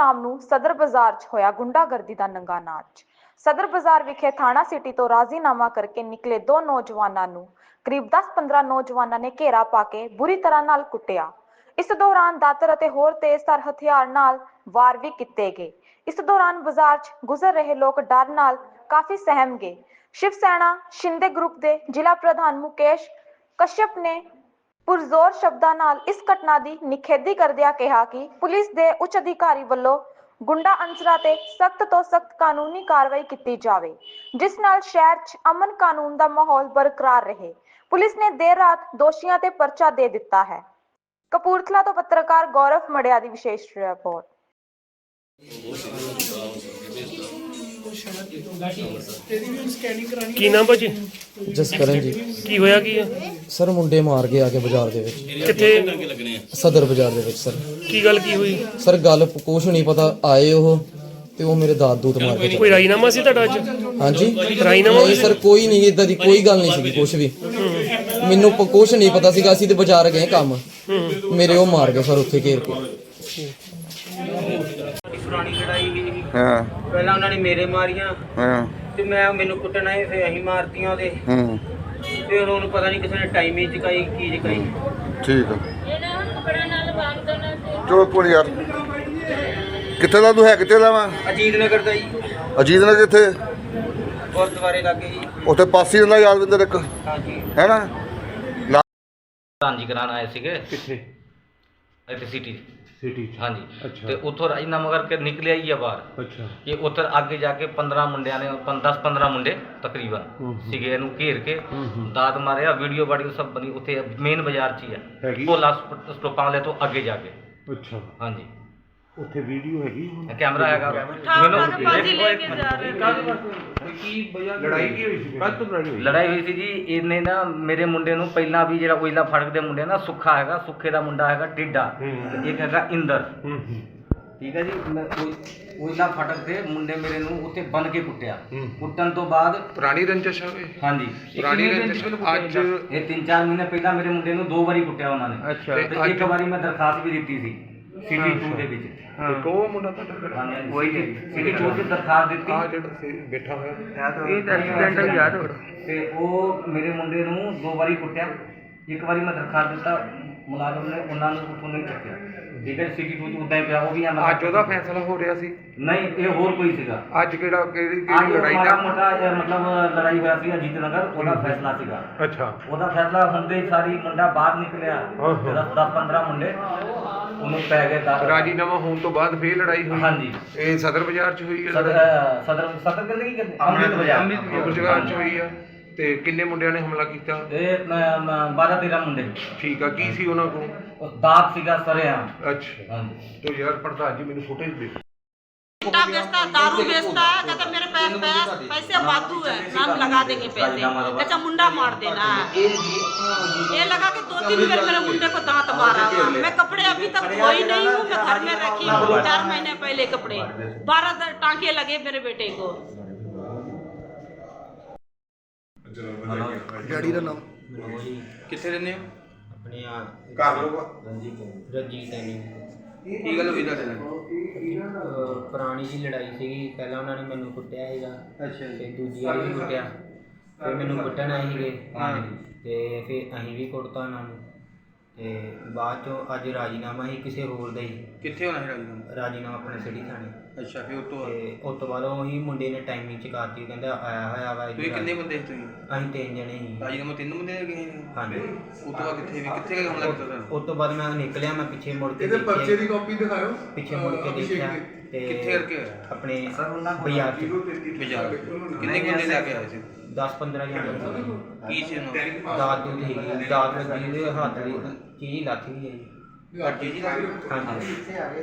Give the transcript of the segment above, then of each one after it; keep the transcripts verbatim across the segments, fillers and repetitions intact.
शाम ਨੂੰ सदर बाजार 'ਚ ਹੋਇਆ ਗੁੰਡਾਗਰਦੀ ਦਾ ਨੰਗਾ ਨਾਚ। सदर बाजार ਵਿਖੇ ਥਾਣਾ ਸਿਟੀ ਤੋਂ ਰਾਜ਼ੀਨਾਮਾ ਕਰਕੇ ਨਿਕਲੇ ਦੋ ਨੌਜਵਾਨਾਂ ਨੂੰ ਕਰੀਬ ਦਸ ਪੰਦਰਾਂ ਨੌਜਵਾਨਾਂ ਨੇ ਘੇਰਾ ਪਾ ਕੇ ਬੁਰੀ ਤਰ੍ਹਾਂ ਨਾਲ ਕੁੱਟਿਆ। ਇਸ ਦੌਰਾਨ ਦਾਤਰ ਅਤੇ ਹੋਰ ਤੇਜ਼ਧਾਰ ਹਥਿਆਰ ਨਾਲ ਵਾਰ ਵੀ ਕੀਤੇ ਗਏ। ਇਸ ਦੌਰਾਨ ਬਾਜ਼ਾਰ 'ਚ ਗੁਜ਼ਰ ਰਹੇ ਲੋਕ ਡਰ ਨਾਲ ਕਾਫੀ ਸਹਿਮ ਗਏ। शिव सेना शिंदे ग्रुप के जिला प्रधान मुकेश कश्यप ने पुरजोर शब्दों नाल इस घटना की निखेधी करदिया कहा कि पुलिस के उच्च अधिकारी वालों गुंडा अंसरां ते सख्त तो सख्त कानूनी कार्रवाई की जाए, जिस नाल शहर च अमन कानून का माहौल बरकरार रहे। पुलिस ने देर रात दोषियों ते परचा दे दिता है। कपूरथला तो पत्रकार गौरव मड़िया की विशेष रिपोर्ट। ਕੀ ਨਾਮ ਭਾਜੀ? ਜਸਕਰਨ ਜੀ। ਕੀ ਹੋਇਆ ਕੀ ਹੈ ਸਰ ਮੁੰਡੇ ਮਾਰ ਕੇ ਆ ਕੇ ਬਾਜ਼ਾਰ ਦੇ ਵਿੱਚ। ਕਿੱਥੇ? ਸਦਰ ਬਾਜ਼ਾਰ ਦੇ ਵਿੱਚ ਸਰ। ਕੀ ਗੱਲ ਕੀ ਹੋਈ? ਸਰ ਗੱਲ ਕੁਛ ਨਹੀਂ ਪਤਾ, ਆਏ ਉਹ ਤੇ ਉਹ ਮੇਰੇ ਦਾਦ ਦੂਤ ਮਾਰ ਕੇ। ਕੋਈ ਰਾਜੀਨਾਮਾ ਸੀ ਤੁਹਾਡਾ ਅੱਜ? ਹਾਂਜੀ ਰਾਜੀਨਾਮਾ ਨਹੀਂ ਸਰ, ਕੋਈ ਨਹੀਂ, ਇਦਾਂ ਦੀ ਕੋਈ ਗੱਲ ਨਹੀਂ ਸੀਗੀ ਕੁਛ ਵੀ। ਮੈਨੂੰ ਪ- ਕੁਛ ਨਹੀਂ ਪਤਾ ਸੀਗਾ, ਅਸੀਂ ਤੇ ਬਾਜ਼ਾਰ ਗਏ ਕੰਮ, ਮੇਰੇ ਉਹ ਮਾਰ ਗਏ ਸਰ ਉੱਥੇ ਘੇਰ ਕੇ। ਪੁਰਾਣੀ ਲੜਾਈ ਵੀ ਹਾਂ ਪਹਿਲਾਂ ਉਹਨਾਂ ਨੇ ਮੇਰੇ ਮਾਰੀਆਂ ਹਾਂ ਤੇ ਮੈਂ ਮੈਨੂੰ ਕੁੱਟਣਾ ਹੈ, ਫਿਰ ਅਸੀਂ ਮਾਰਤੀਆਂ ਉਹਦੇ। ਹੂੰ ਫਿਰ ਉਹਨਾਂ ਨੂੰ ਪਤਾ ਨਹੀਂ ਕਿਸੇ ਨੇ ਟਾਈਮ ਹੀ ਚਕਾਈ ਕੀ ਚਕਾਈ। ਠੀਕ ਆ ਚਲੋ ਕੋਲ ਯਾਰ। ਕਿੱਥੇ ਦਾ ਤੂੰ ਹੈ? ਕਿੱਥੇ ਦਾ ਵਾ? ਅਜੀਤ ਨਗਰ ਦਾ ਜੀ, ਅਜੀਤ ਨਗਰ ਕਿੱਥੇ? ਗੁਰਦੁਆਰੇ ਲਾਗੇ ਜੀ। ਉੱਥੇ ਪਾਸੀ ਹੁੰਦਾ ਯਾਦਵਿੰਦਰ ਇੱਕ, ਹਾਂਜੀ ਹੈ ਨਾ? ਹਾਂਜੀ ਕਰਾਉਣ ਆਏ ਸੀਗੇ ਕਿੱਥੇ? ਇੱਥੇ ਸਿਟੀ ਸਿਟੀ ਹਾਂਜੀ। ਅੱਛਾ। ਤੇ ਉੱਥੋਂ ਰਾਜੀਨਾਮਾ ਕਰਕੇ ਨਿਕਲਿਆ ਹੀ ਆ ਬਾਹਰ ਅੱਛਾ। ਕਿ ਉੱਧਰ ਅੱਗੇ ਜਾ ਕੇ ਪੰਦਰਾਂ ਮੁੰਡਿਆਂ ਨੇ ਦਸ ਪੰਦਰਾਂ ਮੁੰਡੇ ਤਕਰੀਬਨ ਸੀਗੇ, ਇਹਨੂੰ ਘੇਰ ਕੇ ਦਾਤ ਮਾਰਿਆ। ਵੀਡੀਓ ਵਾਡੀਓ ਸਭ ਬਣੀ ਉੱਥੇ ਮੇਨ ਬਾਜ਼ਾਰ 'ਚ ਹੀ ਹੈਗੀ? ਆ, ਭੋਲਾ ਸਟੋਪਾਂ ਵਾਲੇ ਤੋਂ ਅੱਗੇ ਜਾ ਕੇ। ਅੱਛਾ, ਹਾਂਜੀ ਉੱਥੇ ਵੀਡੀਓ ਹੈਗੀ? ਕੈਮਰਾ ਹੈਗਾ। ਲੜਾਈ ਕੀ ਹੋਈ ਸੀ? ਕੱਲ ਤੋਂ ਲੜਾਈ ਹੋਈ? ਲੜਾਈ ਹੋਈ ਸੀ ਜੀ। ਇਹਨੇ ਨਾ ਮੇਰੇ ਮੁੰਡੇ ਨੂੰ ਪਹਿਲਾਂ ਵੀ ਜਿਹੜਾ ਉਹਲਾ ਫੜਕ ਦੇ ਮੁੰਡੇ ਨਾ ਸੁੱਖਾ ਹੈਗਾ, ਸੁੱਖੇ ਦਾ ਮੁੰਡਾ ਹੈਗਾ ਟਿੱਡਾ, ਤੇ ਇੱਕ ਹੈਗਾ ਇੰਦਰ, ਠੀਕ ਹੈ ਜੀ। ਉਹਲਾ ਫਟਕ ਦੇ ਮੁੰਡੇ ਮੇਰੇ ਨੂੰ ਉੱਥੇ ਬੰਨ ਕੇ ਕੁੱਟਿਆ। ਕੁੱਟਣ ਤੋਂ ਬਾਅਦ ਪੁਰਾਣੀ ਰੰਜਿਸ਼ ਹੋਵੇ। ਹਾਂਜੀ ਪੁਰਾਣੀ ਰੰਜਿਸ਼ ਅੱਜ ਇਹ ਤਿੰਨ ਚਾਰ ਮਹੀਨੇ ਪਹਿਲਾਂ ਮੇਰੇ ਮੁੰਡੇ ਨੂੰ ਦੋ ਵਾਰੀ ਕੁੱਟਿਆ ਉਹਨਾਂ ਨੇ। ਅੱਛਾ। ਤੇ ਇੱਕ ਵਾਰੀ ਮੈਂ ਦਰਖਾਸਤ ਵੀ ਦਿੱਤੀ ਸੀ ਸਿਟੀ ਟੂ ਦੇ ਵਿੱਚ। ਕੋ ਮੁੰਡਾ ਤੁਹਾਡਾ ਉਹੀ ਸਿਟੀ ਟੂ 'ਚ ਦਰਖਾਸਤ ਦਿੱਤੀ। ਆ ਜਿਹੜਾ ਬੈਠਾ ਹੋਇਆ ਇਹ ਐਕਸੀਡੈਂਟ ਯਾਦ ਤੇ ਉਹ ਮੇਰੇ ਮੁੰਡੇ ਨੂੰ ਦੋ ਵਾਰੀ ਕੁੱਟਿਆ। ਇੱਕ ਵਾਰੀ ਮੈਂ ਦਰਖਾਸਤ ਦਿੱਤਾ, ਮੁਲਾਜ਼ਮ ਨੇ ਉਹਨਾਂ ਨੂੰ ਉੱਥੋਂ ਨਹੀਂ ਚੱਕਿਆ, ਠੀਕ ਹੈ। ਸਿਟੀ ਟੂ 'ਚ ਉੱਦਾਂ ਹੀ ਪਿਆ ਉਹ ਵੀ। ਅੱਜ ਉਹਦਾ ਫੈਸਲਾ ਹੋ ਰਿਹਾ ਸੀ? ਨਹੀਂ, ਇਹ ਹੋਰ ਕੋਈ ਸੀਗਾ। ਅੱਜ ਕਿਹੜਾ ਕਿਹੜੀ ਅੱਜ ਕਿਹੜੀ ਲੜਾਈ ਮਾੜਾ ਦਾ? ਮੋਟਾ ਇਹ ਮਤਲਬ ਲੜਾਈ ਹੋਇਆ ਸੀ ਅਜੀਤ ਨਗਰ, ਉਹਦਾ ਫੈਸਲਾ ਸੀਗਾ। ਅੱਛਾ। ਉਹਦਾ ਫੈਸਲਾ ਹੁੰਦੇ ਹੀ ਸਾਰੀ ਮੁੰਡਾ ਬਾਹਰ ਨਿਕਲਿਆ, ਦਸ ਪੰਦਰਾਂ ਮੁੰਡੇ ਉਹਨੂੰ ਪੈ ਗਏ ਦਾਤਰ। ਰਾਜੀਨਾਮਾ ਹੋਣ ਤੋਂ ਬਾਅਦ ਫੇਰ ਲੜਾਈ ਹੋਈ? ਹਾਂਜੀ। ਇਹ ਸਦਰ ਬਾਜ਼ਾਰ 'ਚ ਹੋਈ ਹੈ? ਸਦਰ ਸਦਰ ਸਦਰ ਕਹਿੰਦੇ ਕੀ ਕਹਿੰਦੇ ਅੰਮ੍ਰਿਤ ਬਾਜ਼ਾਰ। ਅੰਮ੍ਰਿਤ ਬਾਜ਼ਾਰ 'ਚ ਹੋਈ ਆ। ਤੇ ਕਿੰਨੇ ਮੁੰਡਿਆਂ ਨੇ ਹਮਲਾ ਕੀਤਾ? ਇਹ ਬਾਰਾਂ ਤੇਰਾਂ ਮੁੰਡੇ। ਠੀਕ ਆ। ਕੀ ਸੀ ਉਹਨਾਂ ਕੋਲ? ਦਾਤ ਸੀਗਾ ਸਰਿਆਮ। ਅੱਛਾ। ਹਾਂਜੀ। तो यार प्रधान जी मैंने फुटेज दे। चिट्टा बेचता है, दारू बेचता है, कहता मेरे पैर पे पैसे बातू है, नाम लगा देंगे पैसे, कहता मुंडा मार देना है। ये लगा के दो तीन बार मेरे मुंडे को दांत मारा। मैं कपड़े अभी तक धोई नहीं हूँ, मैं घर में रखी हूँ चार महीने पहले कपड़े, बारह टांके लगे मेरे बेटे को। ਡੈਡੀ ਦਾ ਨਾਮ ਕਿੱਥੇ ਰਹਿੰਦੇ ਹੋ? ਆਪਣੇ कर लो। ਰਣਜੀਤ ਐਨੀ ਕੀ ਗੱਲ ਹੋਈ ਤੁਹਾਡੇ ਨਾਲ? ਪੁਰਾਣੀ ਜੀ ਲੜਾਈ ਸੀਗੀ। ਪਹਿਲਾਂ ਉਹਨਾਂ ਨੇ ਮੈਨੂੰ ਕੁੱਟਿਆ ਸੀਗਾ। ਅੱਛਾ ਤੇ ਦੂਜੀ ਵਾਰੀ ਵੀ ਕੁੱਟਿਆ, ਫਿਰ ਮੈਨੂੰ ਕੁੱਟਣ ਆਏ ਸੀਗੇ ਤੇ ਫਿਰ ਅਸੀਂ ਵੀ ਕੁੱਟਤਾ ਉਹਨਾਂ ਨੂੰ। ਤੇ ਬਾਅਦ ਚੋਂ ਅੱਜ ਰਾਜੀਨਾਮਾ ਹੀ ਕਿਸੇ ਹੋਰ ਦਾ ਹੀ ਕਿੱਥੇ ਹੋਣਾ ਹੈ ਰਾਜੀਨਾਮਾ? ਰਾਜੀਨਾਮਾ ਆਪਣੇ ਸਿਟੀ ਥਾਣੇ। ਅੱਛਾ। ਫਿਰ ਉਹ ਤੋਂ ਤੇ ਉਸ ਤੋਂ ਬਾਅਦ ਉਹੀ ਮੁੰਡੇ ਨੇ ਟਾਈਮਿੰਗ ਚਕਾਤੀ, ਕਹਿੰਦਾ ਆਇਆ ਹੋਇਆ ਵਾ ਤੁਸੀਂ ਇੱਧਰ। ਕਿੰਨੇ ਬੰਦੇ ਸੀ ਤੁਸੀਂ? ਅਸੀਂ ਤਿੰਨ ਜਣੇ ਸੀ। ਰਾਜੀਨਾਮਾ ਤਿੰਨ ਬੰਦੇ ਦੇ ਗਏ ਨੇ? ਹਾਂਜੀ। ਉਹ ਤੋਂ ਬਾਅਦ ਕਿੱਥੇ ਵੀ ਕਿੱਥੇ ਗਏ ਹਮਲਾ ਕੀਤਾ ਤੁਹਾਨੂੰ? ਉਸ ਤੋਂ ਬਾਅਦ ਮੈਂ ਨਿਕਲਿਆ, ਮੈਂ ਪਿੱਛੇ ਮੁੜ ਕੇ ਇਹਦੇ ਪਰਚੇ ਦੀ ਕਾਪੀ ਦਿਖਾਓ। ਪਿੱਛੇ ਮੁੜ ਕੇ ਦੇਖਿਆ ਤੇ ਕਿੱਥੇ ਕਰਕੇ ਹੋਇਆ? ਆਪਣੇ ਬਾਜ਼ਾਰ 'ਚ ਬਾਜ਼ਾਰ। ਕਿੰਨੇ ਬੰਦੇ ਲੈ ਕੇ ਆਏ ਸੀ? ਦਸ ਪੰਦਰਾਂ ਜਣੇ ਕੀ ਸੀ ਉਹਨਾਂ ਦਾਤ ਦੂਤ ਹੈਗੀ, ਦਾਤ ਲੱਗੀ ਉਹਦੇ ਹੱਥ ਦੀ ਚੀਜ਼ ਲੱਥ ਗਈ ਹੈ ਜੀ। ਦੀ? ਜੀ ਹਾਂਜੀ।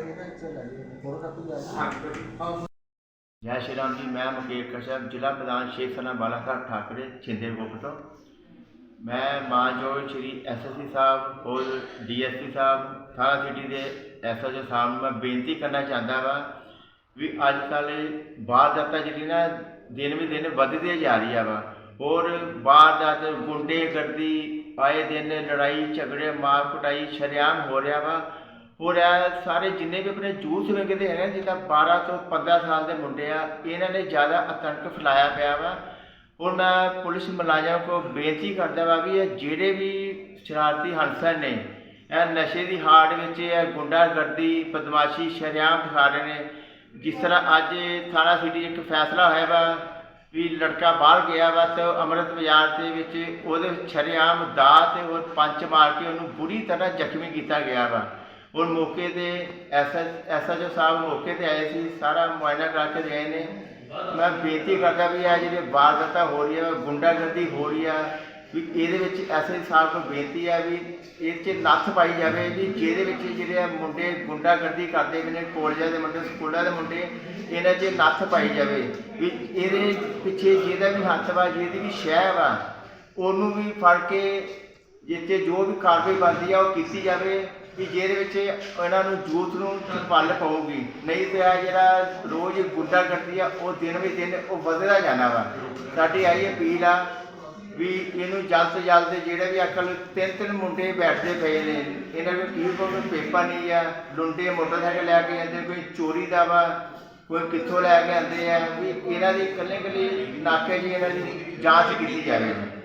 जय श्री राम जी। मैं मुकेश कश्यप, जिला प्रधान शिव सेना बालासाहब ठाकरे छिंदे ग्रुप तो। मैं मानयोग श्री एस एस सी साहब और डी एस पी साहब थाना सिटी के एस एच ओ साहब मैं बेनती करना चाहता वा भी अजकल वारदात जी ना दिन भी दिन बढ़ती जा रही है वा, और वारदात गुंडे गर्दी आए दिन लड़ाई झगड़े मार कुटाई शरेआम हो रहा वा। ਔਰ ਇਹ ਸਾਰੇ ਜਿੰਨੇ ਵੀ ਆਪਣੇ ਜੂਸ ਵਿਕਦੇ ਹੈਗੇ ਜਿੱਦਾਂ ਬਾਰਾਂ ਤੋਂ ਪੰਦਰਾਂ ਸਾਲ ਦੇ ਮੁੰਡੇ ਆ, ਇਹਨਾਂ ਨੇ ਜ਼ਿਆਦਾ ਆਤੰਕ ਫੈਲਾਇਆ ਪਿਆ ਵਾ। ਔਰ ਮੈਂ ਪੁਲਿਸ ਮੁਲਾਜ਼ਮਾਂ ਕੋਲ ਬੇਨਤੀ ਕਰਦਾ ਵਾ ਵੀ ਇਹ ਜਿਹੜੇ ਵੀ ਸ਼ਰਾਰਤੀ ਹੰਸਰ ਨੇ, ਇਹ ਨਸ਼ੇ ਦੀ ਹਾੜ ਵਿੱਚ ਇਹ ਗੁੰਡਾਗਰਦੀ ਬਦਮਾਸ਼ੀ ਸ਼ਰੇਆਮ ਦਿਖਾ ਰਹੇ ਨੇ। ਜਿਸ ਤਰ੍ਹਾਂ ਅੱਜ ਥਾਣਾ ਸਿਟੀ ਇੱਕ ਫੈਸਲਾ ਹੋਇਆ ਵਾ ਵੀ ਲੜਕਾ ਬਾਹਰ ਗਿਆ ਵਾ ਤੇ ਅੰਮ੍ਰਿਤ ਬਾਜ਼ਾਰ ਦੇ ਵਿੱਚ ਉਹਦੇ ਸ਼ਰੇਆਮ ਦਾਤ ਤੇ ਔਰ ਪੰਚ ਮਾਰ ਕੇ ਉਹਨੂੰ ਬੁਰੀ ਤਰ੍ਹਾਂ ਜ਼ਖਮੀ ਕੀਤਾ ਗਿਆ ਵਾ। ਔਰ ਮੌਕੇ 'ਤੇ ਐਸ ਐਸ ਐਚ ਓ ਸਾਹਿਬ ਮੌਕੇ 'ਤੇ ਆਏ ਸੀ, ਸਾਰਾ ਮੁਆਇਨਾ ਕਰਕੇ ਗਏ ਨੇ। ਮੈਂ ਬੇਨਤੀ ਕਰਦਾ ਵੀ ਇਹ ਜਿਹੜੇ ਵਾਰਦਾਤਾਂ ਹੋ ਰਹੀਆਂ, ਗੁੰਡਾਗਰਦੀ ਹੋ ਰਹੀ ਆ, ਵੀ ਇਹਦੇ ਵਿੱਚ ਐਸ ਐਚ ਓ ਸਾਹਿਬ ਨੂੰ ਬੇਨਤੀ ਹੈ ਵੀ ਇਹ 'ਚ ਨੱਥ ਪਾਈ ਜਾਵੇ ਵੀ ਜਿਹਦੇ ਵਿੱਚ ਜਿਹੜੇ ਮੁੰਡੇ ਗੁੰਡਾਗਰਦੀ ਕਰਦੇ ਨੇ, ਕਾਲਜਾਂ ਦੇ ਮੁੰਡੇ, ਸਕੂਲਾਂ ਦੇ ਮੁੰਡੇ, ਇਹਨਾਂ 'ਚ ਨੱਥ ਪਾਈ ਜਾਵੇ ਵੀ ਇਹਦੇ ਪਿੱਛੇ ਜਿਹਦਾ ਵੀ ਹੱਥ ਵਾ, ਜਿਹਦੀ ਵੀ ਸ਼ਹਿ ਵਾ, ਉਹਨੂੰ ਵੀ ਫੜ ਕੇ ਜਿੱਥੇ ਜੋ ਵੀ ਕਾਰਵਾਈ ਬਣਦੀ ਆ ਉਹ ਕੀਤੀ ਜਾਵੇ ਵੀ ਜਿਹਦੇ ਵਿੱਚ ਇਹਨਾਂ ਨੂੰ ਯੂਥ ਨੂੰ ਪੱਲ ਪਊਗੀ। ਨਹੀਂ ਤੇ ਆ ਜਿਹੜਾ ਰੋਜ਼ ਗੁੰਡਾਗਰਦੀ ਆ ਉਹ ਦਿਨ ਵੀ ਦਿਨ ਉਹ ਵਧਦਾ ਜਾਣਾ ਵਾ। ਸਾਡੀ ਆਈ ਅਪੀਲ ਆ ਵੀ ਇਹਨੂੰ ਜਲਦ ਤੋਂ ਜਲਦ ਜਿਹੜੇ ਵੀ ਅਕਲ ਤਿੰਨ ਤਿੰਨ ਮੁੰਡੇ ਬੈਠਦੇ ਪਏ ਨੇ, ਇਹਨਾਂ ਕੋਲ ਕੀ ਕੋਈ ਪੇਪਰ ਨਹੀਂ ਆ, ਲੁੰਡੇ ਮੋਟਰਸਾਈਕਲ ਲੈ ਕੇ ਆਉਂਦੇ, ਕੋਈ ਚੋਰੀ ਦਾ ਵਾ, ਕੋਈ ਕਿੱਥੋਂ ਲੈ ਕੇ ਆਉਂਦੇ ਆ, ਵੀ ਇਹਨਾਂ ਦੀ ਇਕੱਲੇ ਇਕੱਲੇ ਨਾਕੇ ਜੀ ਇਹਨਾਂ ਦੀ ਜਾਂਚ ਕੀਤੀ ਜਾਵੇ।